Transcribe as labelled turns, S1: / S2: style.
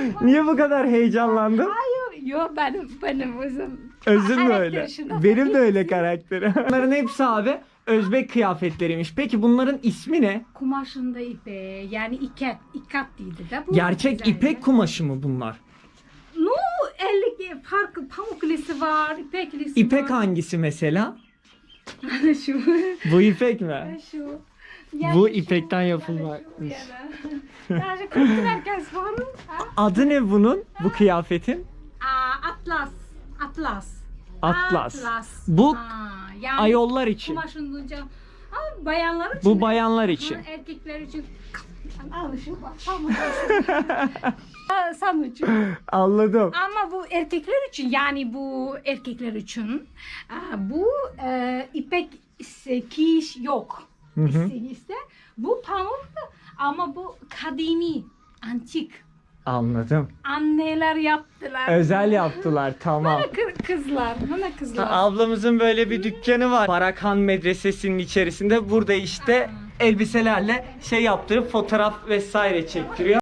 S1: Niye bu kadar heyecanlandın?
S2: Hayır, yok benim özüm.
S1: Özün mü öyle?
S2: Karakter
S1: Benim de öyle karakterim. Bunların hepsi abi Özbek kıyafetleriymiş. Peki bunların ismi ne?
S2: Kumaşında ipe, yani ikat dedi de. Bu
S1: Gerçek
S2: güzel
S1: ipek
S2: ya.
S1: kumaşı mı bunlar?
S2: No, ellik farklı pamuklisi var, ipeklisi
S1: İpek
S2: var.
S1: hangisi mesela?
S2: Şu.
S1: Bu ipek mi?
S2: Şu.
S1: Bu ipekten yapılma.
S2: Yani kültür herkes var.
S1: Adı ne bunun? Bu kıyafetin?
S2: Atlas.
S1: Atlas. Bu
S2: yani
S1: ayollar için.
S2: kumaşın bunca. Bayanlar için.
S1: Bu bayanlar için.
S2: Erkekler için. Al şu bak. Sen için.
S1: Anladım.
S2: Ama bu erkekler için, yani bu erkekler için bu ipek giyiş yok. İşte bu pamuk ama bu kadimi, antik.
S1: Anladım.
S2: Anneler yaptılar.
S1: Özel yaptılar, tamam.
S2: Bana kızlar.
S1: Ablamızın böyle bir dükkanı var. Barakhan Medresesi'nin içerisinde. Burada işte elbiselerle şey yaptırıp fotoğraf vesaire çektiriyor.